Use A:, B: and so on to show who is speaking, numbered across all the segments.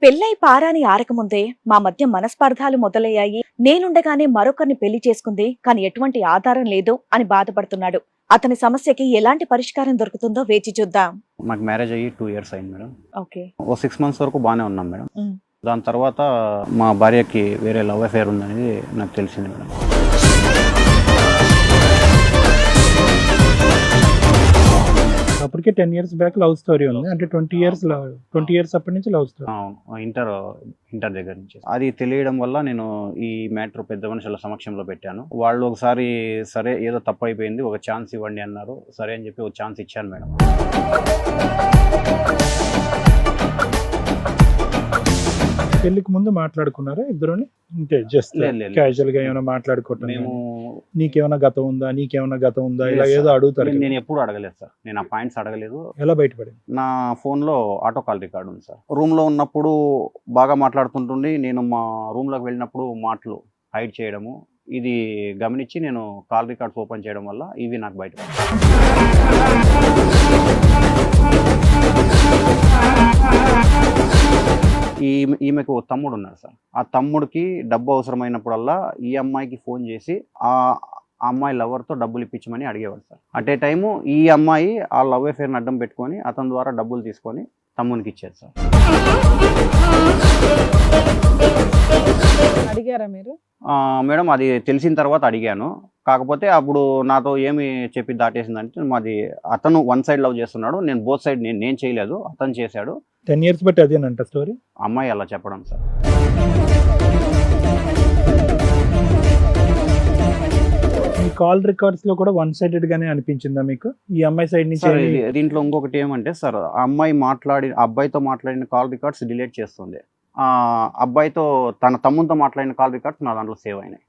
A: పెళ్ళై పారాని ఆరకముందే మా మధ్య మనస్పర్ధాలు మొదలయ్యాయి. నేనుండగానే మరొకరిని పెళ్లి చేసుకుంది, కానీ ఎటువంటి ఆధారం లేదు అని బాధపడుతున్నాడు. అతని సమస్యకి ఎలాంటి పరిష్కారం దొరుకుతుందో వేచి చూద్దాం.
B: మాకు మ్యారేజ్ అయ్యి 2 ఇయర్స్ అయింది మేడం.
A: ఓకే.
B: ఓ 6 మంత్స్ వరకు బాగానే ఉన్నాం మేడం. దాని తర్వాత మా భార్యకి వేరే లవ్ అఫేర్ ఉందనేది నాకు తెలిసింది మేడం.
C: అప్పటికే 10 ఇయర్స్ బ్యాక్ లవ్ స్టోరీ ఉంది. అంటే 20 ఇయర్స్ అప్పటి నుంచి లవ్ స్టోరీ.
B: ఇంటర్ దగ్గర నుంచి అది తెలియడం వల్ల నేను ఈ మ్యాటర్ పెద్ద మనుషుల సమక్షంలో పెట్టాను. వాళ్ళు ఒకసారి సరే ఏదో తప్పు అయిపోయింది, ఒక ఛాన్స్ ఇవ్వండి అన్నారు. సరే అని చెప్పి ఒక ఛాన్స్ ఇచ్చాను మేడం.
C: పెళ్లికి ముందు మాట్లాడుకున్నారా ఇద్దరుని? అంటే జస్ట్ క్యాజువల్ గా ఏమైనా మాట్లాడుకోవటం,
B: మేము
C: నీకేమైనా గతం ఉందా ఇలా ఏదో అడుగుతారు.
B: నేను ఎప్పుడు అడగలేదు సార్, నేను ఆ పాయింట్స్ అడగలేదు.
C: ఎలా బయటపడింది?
B: నా ఫోన్లో ఆటో కాల్ రికార్డ్ ఉంది సార్. రూమ్లో ఉన్నప్పుడు బాగా మాట్లాడుతుంటుంది, నేను మా రూమ్లోకి వెళ్ళినప్పుడు మాటలు హైడ్ చేయడము, ఇది గమనించి నేను కాల్ రికార్డ్స్ ఓపెన్ చేయడం వల్ల ఇవి నాకు బయటపడ్డాయి. ఈమెకు తమ్ముడు ఉన్నారు సార్. ఆ తమ్ముడికి డబ్బు అవసరమైనప్పుడల్లా ఈ అమ్మాయికి ఫోన్ చేసి ఆ అమ్మాయి లవర్తో డబ్బులు ఇప్పించమని అడిగేవాడు సార్. అట్ ఏ టైము ఈ అమ్మాయి ఆ లవ్ అఫేర్ని అడ్డం పెట్టుకొని అతని ద్వారా డబ్బులు తీసుకొని తమ్మునికి ఇచ్చేది సార్.
D: అడిగారా మీరు?
B: మేడం అది తెలిసిన తర్వాత అడిగాను. కాకపోతే అప్పుడు నాతో ఏమి చెప్పి దాటేసిందంటే, మాది అతను వన్ సైడ్ లవ్ చేస్తున్నాడు, నేను బోత్ సైడ్ నేను చేయలేదు, అతను చేశాడు.
C: 10 ఇయర్స్ బట్టి అదేనంట స్టోరీ.
B: అమ్మాయి అలా చెప్పడం సార్.
C: ఈ కాల్ రికార్డ్స్ లో కూడా వన్ సైడెడ్ గానే అనిపించిందా మీకు? ఈ అమ్మాయి సైడ్ నుంచి
B: దీంట్లో ఇంకొకటి ఏమంటే సార్, ఆ అమ్మాయి అబ్బాయితో మాట్లాడిన కాల్ రికార్డ్స్ డిలీట్ చేస్తుంది. అబ్బాయితో తన తమ్ముతో మాట్లాడిన కాల్ రికార్డ్స్ నా దాంట్లో సేవ్ అయినాయి.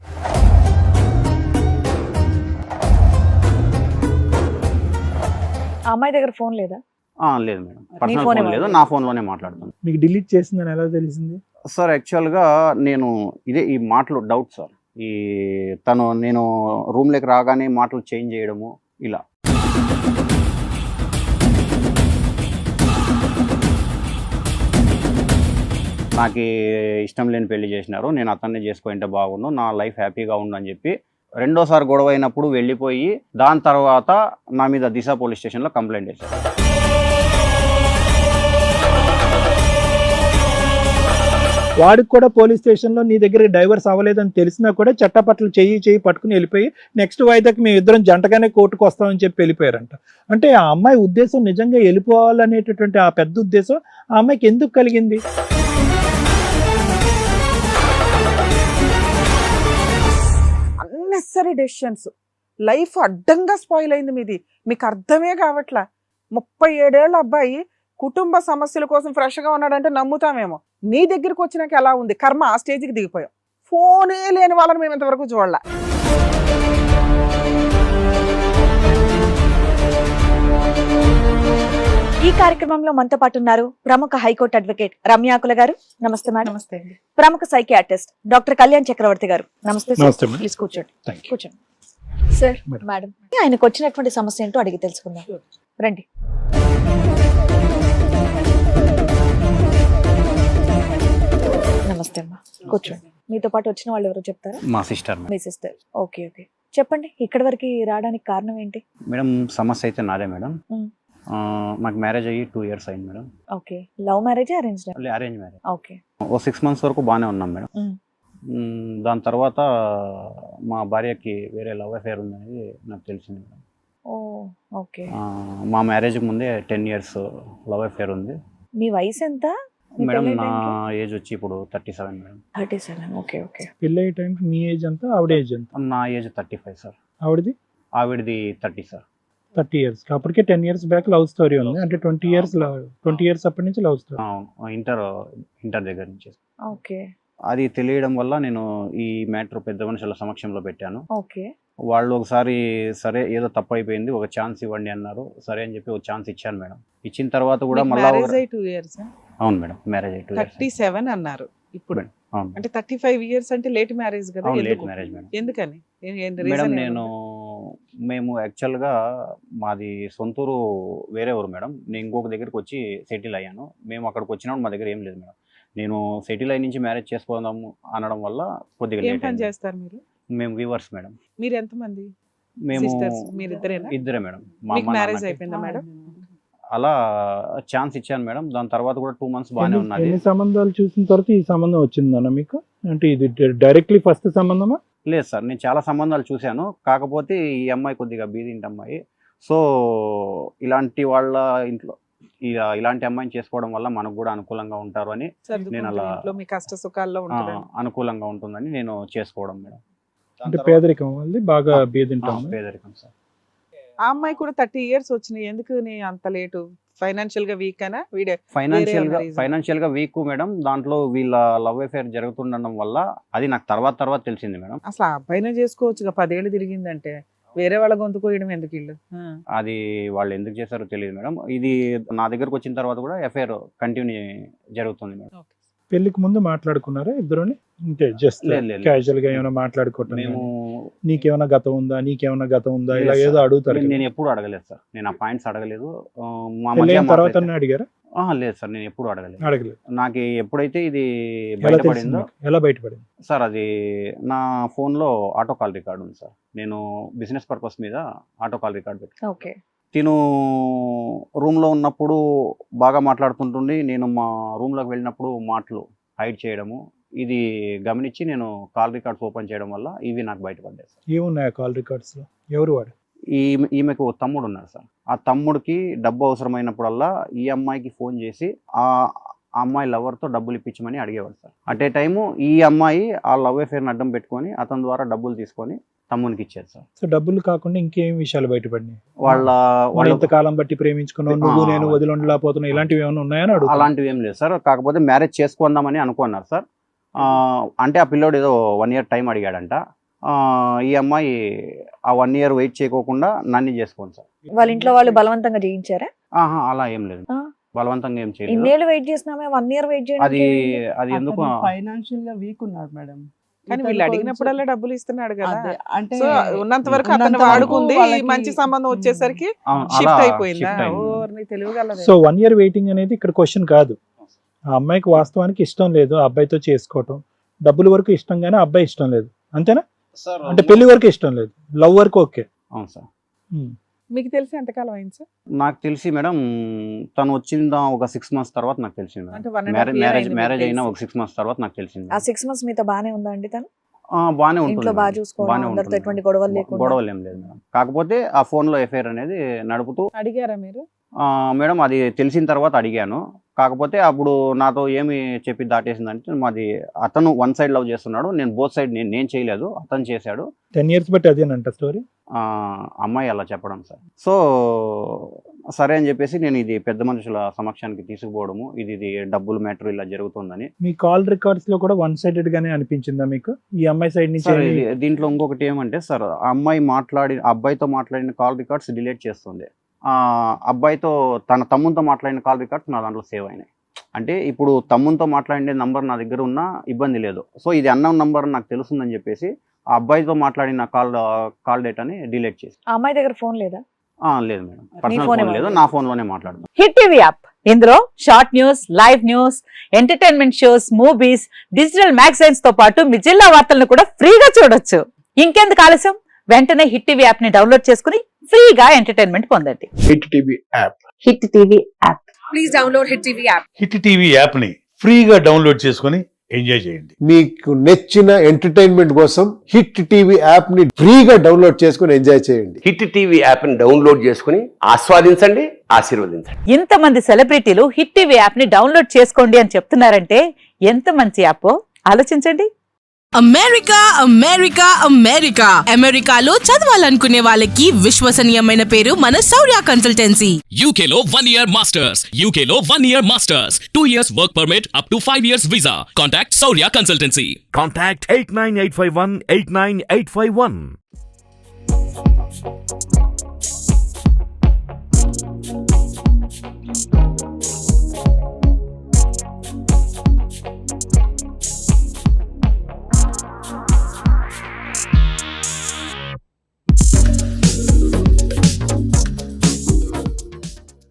A: ఆ అమ్మాయి దగ్గర ఫోన్ లేదా?
B: లేదు మేడం, పర్సనల్ ఫోన్ లేదు, నా ఫోన్లోనే మాట్లాడుతుంది.
C: మీకు డిలీట్ చేసిందని ఎలా తెలిసింది
B: సార్? యాక్చువల్గా నేను ఈ మాటలు డౌట్ సార్. నేను రూమ్లోకి రాగానే మాటలు చేంజ్ చేయడము ఇలా. నాకు ఇష్టం లేని పెళ్లి చేసినారు, నేను అతన్ని చేసుకుంటే బాగుండు, నా లైఫ్ హ్యాపీగా ఉండు అని చెప్పి రెండోసారి గొడవ అయినప్పుడు వెళ్ళిపోయి దాని తర్వాత నా మీద దిశ పోలీస్ స్టేషన్లో కంప్లైంట్ చేశారు.
C: వాడికి కూడా పోలీస్ స్టేషన్లో నీ దగ్గర డైవర్స్ అవ్వలేదని తెలిసినా కూడా చట్టపట్ల చెయ్యి పట్టుకుని వెళ్ళిపోయి నెక్స్ట్ వాయిదాకి మేము ఇద్దరం జంటగానే కోర్టుకు వస్తామని చెప్పి వెళ్ళిపోయారంట. అంటే ఆ అమ్మాయి ఉద్దేశం నిజంగా వెళ్ళిపోవాలనేటటువంటి ఆ పెద్ద ఉద్దేశం ఆ అమ్మాయికి ఎందుకు కలిగింది?
D: అన్నెసరీ డెసిషన్స్, లైఫ్ అడ్డంగా స్పాయిల్ అయింది మీది. మీకు అర్థమే కావట్లా. 37 ఏళ్ళ అబ్బాయి కుటుంబ సమస్యల కోసం ఫ్రెష్గా ఉన్నాడంటే నమ్ముతామేమో. నీ దగ్గరికి వచ్చినాక ఎలా ఉంది కర్మ? ఆ స్టేజ్కి దిగిపోయాం. ఫోనే లేని వాళ్ళని మేము ఇంతవరకు చూడాల.
A: ఈ కార్యక్రమంలో మనతో పాటు ఉన్నారు ప్రముఖ హైకోర్టు అడ్వకేట్ రమ్యాకుల గారు. నమస్తే మేడం.
D: నమస్తే.
A: ప్రముఖ సైకియాట్రిస్ట్ డాక్టర్ కళ్యాణ్ చక్రవర్తి గారు. నమస్తే
C: నమస్తే.
A: ప్లీజ్ కూర్చోండి.
C: Thank you.
A: కూర్చోండి సార్. మేడం, ఆయనకు వచ్చినటువంటి సమస్య ఏంటో అడిగి తెలుసుకుందాం. రండి. నమస్తే అమ్మా, కూర్చోండి. మీతో పాటు వచ్చిన వాళ్ళు ఎవరో చెప్తారా?
B: మా సిస్టర్.
A: మీ సిస్టర్. ఓకే. చెప్పండి, ఇక్కడి వరకు రావడానికి కారణం ఏంటి?
B: మేడం సమస్య అయితే నాదే మేడం. మాకు మ్యారేజ్ అయ్యి 2 ఇయర్స్ అయింది madam.
A: Okay. Love marriage, arrange
B: marriage.
A: Okay.
B: ఓ 6 మంత్స్ వరకు బాగానే ఉన్నాం మేడం. దాని తర్వాత మా భార్యకి వేరే లవ్ అఫేర్ ఉందనేది నాకు తెలిసింది మేడం.
A: ఓకే.
B: మా మ్యారేజ్కి ముందే 10 ఇయర్స్ లవ్ అఫేర్ ఉంది.
A: మీ వయసు ఎంత
B: మేడం? నా ఏజ్ వచ్చి ఇప్పుడు 37 మేడం.
A: 37. ఓకే.
C: పెళ్ళి టైం మీ ఏజ్ ఎంత, ఆవిడ ఏజ్ ఎంత?
B: నా ఏజ్ 35 సార్.
C: ఆవిడది
B: 30 సార్.
C: 30 ఇయర్స్. అప్పటికే 10 ఇయర్స్ బ్యాక్ లవ్ స్టోరీ ఉంది. అంటే 20 ఇయర్స్ అప్పటి నుంచి లవ్ స్టోరీ.
B: ఇంటర్ దగ్గర నుంచి.
A: ఓకే.
B: అది తెలియడం వల్ల నేను ఈ మ్యాటర్ పెద్ద మనుషుల సమక్షంలో పెట్టాను.
A: ఓకే.
B: వాళ్ళు ఒకసారి సరే ఏదో తప్పు అయిపోయింది, ఒక ఛాన్స్ ఇవ్వండి అన్నారు. సరే అని చెప్పి ఒక ఛాన్స్ ఇచ్చాను మేడం. ఇచ్చిన తర్వాత కూడా మళ్ళీ అవును మేడం, మ్యారేజ్ అయ్యి
D: 37 అన్నారు ఇప్పుడు. అంటే 35 ఇయర్స్ అంటే లేట్ మ్యారేజ్ కదా?
B: Late marriage madam.
D: ఎందుకని
B: మేడం? మేము యాక్చువల్గా మాది సొంతూరు వేరే ఊరు మేడం. నేను ఇంకొక దగ్గరికి వచ్చి సెటిల్ అయ్యాను. మేము అక్కడికి వచ్చినప్పుడు మా దగ్గర ఏం లేదు మేడం. నేను సెటిల్ అయి నుంచి మ్యారేజ్ చేసుకోదాము అనడం వల్ల కొద్దిగా
D: ఏం
B: లేట్
D: పని
B: అయింది.
D: చేస్తారు మీరు?
B: మేము వీవర్స్ మేడం.
D: మీరు ఎంతమంది
B: మేము
D: సిస్టర్స్? మీరిద్దరేనా?
B: ఇద్దరే మేడం. మా
D: మీకు
B: అమ్మ
D: మ్యారేజ్
B: నాన్నకి.
D: అయిపోయిందా మేడం?
B: అలా ఛాన్స్ ఇచ్చాను మేడం. దాని తర్వాత కూడా 2 months బాగానే ఉన్నది.
C: ఎన్ని సంబంధాలు చూసిన తర్వాత ఈ సంబంధం వచ్చిందన్న మీకు? అంటే ఇది డైరెక్ట్లీ ఫస్ట్ సంబంధమా?
B: లేదు సార్, నేను చాలా సంబంధాలు చూశాను. కాకపోతే ఈ అమ్మాయి కొద్దిగా బీదింటి అమ్మాయి. సో ఇలాంటి వాళ్ళ ఇంట్లో ఇలాంటి అమ్మాయిని చేసుకోవడం వల్ల మనకు కూడా అనుకూలంగా ఉంటారు అని నేను అలా
D: ఇంట్లో మీ కష్ట సుఖాల్లో ఉంటుంది.
B: అనుకూలంగా ఉంటుందని నేను చేసుకోవడం మేడం.
C: అంటే పేదరికం వల్ల బాగా బీదింటాం.
B: పేదరికం సార్.
D: ఆ అమ్మాయి కూడా 30 years వచ్చినాయి. ఎందుకు నీ అంత లేటు? ఫైనాన్షియల్ గా వీక్ అనా? వీడే
B: ఫైనాన్షియల్ గా వీక్ మేడం. దాంట్లో వీళ్ళ లవ్ అఫేర్ జరుగుతుండడం వల్ల అది నాకు తర్వాత తెలిసింది మేడం.
D: అసలు ఆ అబ్బాయినే చేసుకోవచ్చుగా, 10 ఏళ్ళు తిరిగిందంటే. వేరే వాళ్ళ గొంతు కోయడం ఎందుకు ఇల్లు?
B: అది వాళ్ళు ఎందుకు చేశారో తెలియదు మేడం. ఇది నా దగ్గరకు వచ్చిన తర్వాత కూడా అఫేర్ కంటిన్యూ జరుగుతుంది మేడం.
C: పెళ్లికి ముందు మాట్లాడుకున్నారా ఇద్దరుని? అంటే జస్ట్
B: లేదు.
C: క్యాజువల్ గా ఏమైనా మాట్లాడుకోవటం,
B: మేము
C: నీకేమైనా గతం ఉందా, నీకేమైనా గతం ఉందా, ఇలా
B: లేదు
C: ఏదో
B: సార్.
C: అడుగుతారు.
B: నేను ఎప్పుడు అడగలేదు సార్. నేను ఆ పాయింట్స్ అడగలేదు. మా
C: పెళ్ళైన
B: మధ్య
C: తర్వాత
B: మాట్లాడితే-
C: అడిగారా?
B: లేదు సార్, నేను ఎప్పుడు అడగలేదు.
C: అడగలేదు.
B: నాకు ఎప్పుడైతే ఇది
C: ఎలా తెలిసింది
B: బయటపడిందో
C: మీకు? ఎలా బయటపడింది?
B: సార్, అది నా ఫోన్లో ఆటో కాల్ రికార్డ్ ఉంది సార్. నేను బిజినెస్ పర్పస్ మీద ఆటో కాల్ రికార్డ్ పెట్టి
A: ఓకే.
B: తిను రూమ్లో ఉన్నప్పుడు బాగా మాట్లాడుతుంటుండి. నేను మా రూమ్లోకి వెళ్ళినప్పుడు మాటలు హైడ్ చేయడము, ఇది గమనించి నేను కాల్ రికార్డ్స్ ఓపెన్ చేయడం వల్ల ఇవి నాకు బయటపడ్డాయి సార్.
C: ఏమున్నాయి కాల్ రికార్డ్స్ లో? ఎవరు వాడు?
B: ఈమెకు ఓ తమ్ముడు ఉన్నాడు సార్. ఆ తమ్ముడికి డబ్బు అవసరమైనప్పుడల్లా ఈ అమ్మాయికి ఫోన్ చేసి ఆ అమ్మాయి లవర్తో డబ్బులు ఇప్పించమని అడిగేవాడు సార్. అట్ ఏ టైము ఈ అమ్మాయి ఆ లవ్ అఫేర్ని అడ్డం పెట్టుకొని అతని ద్వారా డబ్బులు తీసుకొని తమ్మునికి ఇచ్చేది సార్.
C: సో డబ్బులు కాకుండా ఇంకేం విషయాలు బయటపడినాయి?
B: వాళ్ళ
C: ఇంతకాలం బట్టి ప్రేమించుకున్నావు, నువ్వు నేను వదిలిండలేకపోతున్నావు, ఇలాంటివి ఏమైనా ఉన్నాయని అడుగు.
B: అలాంటివి ఏం లేదు సార్. కాకపోతే మ్యారేజ్ చేసుకుందామని అనుకున్నారు సార్. అంటే ఆ పిల్లోడు ఏదో 1 year టైం అడిగాడంట. ఈ అమ్మాయి ఆ 1 year వెయిట్ చేయకోకుండా నన్ను చేసుకోండి సార్.
A: వాళ్ళ ఇంట్లో వాళ్ళు బలవంతంగా చేయించారా?
B: అలా ఏం లేదు,
A: ఆ.
B: బలవంతంగా ఏం చేయలేదు.
A: ఇన్నేళ్ళు వెయిట్ చేసినామే, 1 year వెయిట్
B: అది
A: చేయడానికి
B: అది ఎందుకు
E: ఫైనాన్షియల్ గా వీక్ ఉన్నాడు మేడం.
D: కానీ వీళ్ళు అడిగినప్పుడల్లా డబ్బులు ఇస్తున్నాడు కదా.
E: అదే, అంటే
D: సో ఉన్నంత వరకు అతను
E: ఉన్నంత వరకు
D: వాడుకుంది.
E: వాళ్ళకి-
D: మంచి సంబంధం వచ్చేసరికి
B: అలా
D: షిఫ్ట్ అయిపోయిందా?
B: shift అయింది.
D: ఓర్ని తెలివిగలదే.
C: సో 1 year వెయిటింగ్ అనేది ఇక్కడ క్వశ్చన్ కాదు. ఆ అమ్మాయికి వాస్తవానికి ఇష్టం లేదు ఆ అబ్బాయితో చేసుకోవటం, డబ్బుల వరకు ఇష్టం కానీ ఆ అబ్బాయి ఇష్టం లేదు, అంతేనా? అంటే పెళ్లి వరకు ఇష్టం లేదు, లవ్ వరకు ఓకే.
B: అవును సార్.
D: మీకు తెలిసి ఎంతకాలం అయింది సార్?
B: నాకు తెలిసి మేడం తను వచ్చిందా ఒక 6 months తర్వాత నాకు తెలిసింది
D: అంటే
B: మేడం.
D: 1.5 year అయింది మీకు
B: మ్యారేజ్ అయినా
D: తెలిసి.
B: ఒక 6 months తర్వాత నాకు తెలిసింది.
A: ఆ 6 months మీతో బానే ఉందా అండి తను?
B: బాగానే ఉంటుంది
A: ఇంట్లో బాగా
B: మేడం.
A: చూసుకోవడం,
B: బాగానే
A: అందరితో
B: ఉంటుంది
A: ఎటువంటి
B: మేడం.
A: గొడవలు లేకుండా?
B: గొడవలు ఏం లేదు మేడం. కాకపోతే ఆ ఫోన్లో ఎఫ్ఐఆర్ అనేది నడుపుతూ
D: అడిగారా మీరు?
B: మేడం అది తెలిసిన తర్వాత అడిగాను. కాకపోతే అప్పుడు నాతో ఏమి చెప్పి దాటేసిందంటే మాది అతను 1 side లవ్ చేస్తున్నాడు, నేను బోత్ సైడ్ నేను చేయలేదు, అతను చేశాడు.
C: 10 years బట్టి అదేనంట స్టోరీ.
B: అమ్మాయి అలా చెప్పడం సార్. సో సరే అని చెప్పేసి నేను ఇది పెద్ద మనుషుల సమక్షానికి తీసుకుపోవడము, ఇది డబ్బుల మ్యాటర్ ఇలా జరుగుతుందని.
C: మీ కాల్ రికార్డ్స్ లో కూడా 1 sided గానే అనిపించిందా మీకు? ఈ అమ్మాయి సైడ్ నుంచి
B: సార్ దీంట్లో ఇంకొకటి ఏమంటే సార్, ఆ అమ్మాయి అబ్బాయితో మాట్లాడిన కాల్ రికార్డ్స్ డిలీట్ చేస్తుంది. అబ్బాయితో తన తమ్ముతో మాట్లాడిన కాల్ రికార్డ్స్ నా దాంట్లో సేవ్ అయినాయి. అంటే ఇప్పుడు తమ్ముతో మాట్లాడే నంబర్ నా దగ్గర ఉన్నా ఇబ్బంది లేదు. సో ఇది అన్నోన్ నంబర్ నాకు తెలుస్తుందని చెప్పేసి ఆ అబ్బాయితో మాట్లాడిన కాల్ డేటాని డిలీట్ చేసి.
A: ఆ అమ్మాయి దగ్గర ఫోన్ లేదా?
B: లేదు మేడం, పర్సనల్
A: ఫోనే
B: ఫోన్ లేదు, నా ఫోన్లోనే మాట్లాడుతున్నాను.
F: హిట్ టీవీ యాప్, ఇందులో short news, live news, entertainment shows, movies, digital magazines తో పాటు మీ జిల్లా వార్తలను కూడా ఫ్రీగా చూడొచ్చు. ఇంకెందుకు ఆలస్యం, వెంటనే హిట్ టీవీ యాప్ ని డౌన్లోడ్ చేసుకుని ఫ్రీగా ఎంటర్టైన్మెంట్ పొందండి.
G: Hit TV app.
F: Hit TV app.
H: Please download Hit TV app.
G: Hit TV app ని ఫ్రీగా డౌన్లోడ్ చేసుకొని ఎంజాయ్ చేయండి.
I: మీకు నచ్చిన ఎంటర్టైన్మెంట్ కోసం హిట్ టీవీ యాప్ ని ఫ్రీగా డౌన్లోడ్ చేసుకుని ఎంజాయ్ చేయండి.
J: హిట్ టీవీ యాప్ ని డౌన్లోడ్ చేసుకుని ఆస్వాదించండి, ఆశీర్వదించండి.
F: ఇంతమంది సెలబ్రిటీలు హిట్ టీవీ యాప్ ని డౌన్లోడ్ చేసుకోండి అని చెప్తున్నారంటే ఎంత మంచి యాప్ ఆలోచించండి.
H: అమెరికా అమెరికా అమెరికా అమెరికాలో చదవాలనుకునే వాళ్ళకి విశ్వసనీయమైన పేరు మన శౌర్య కన్సల్టెన్సీ.
K: UK లో 1 year masters. UK లో 1 year masters. 2 years work permit up to 5 years visa. Contact Saurya Consultancy.
L: Contact 89851 89851.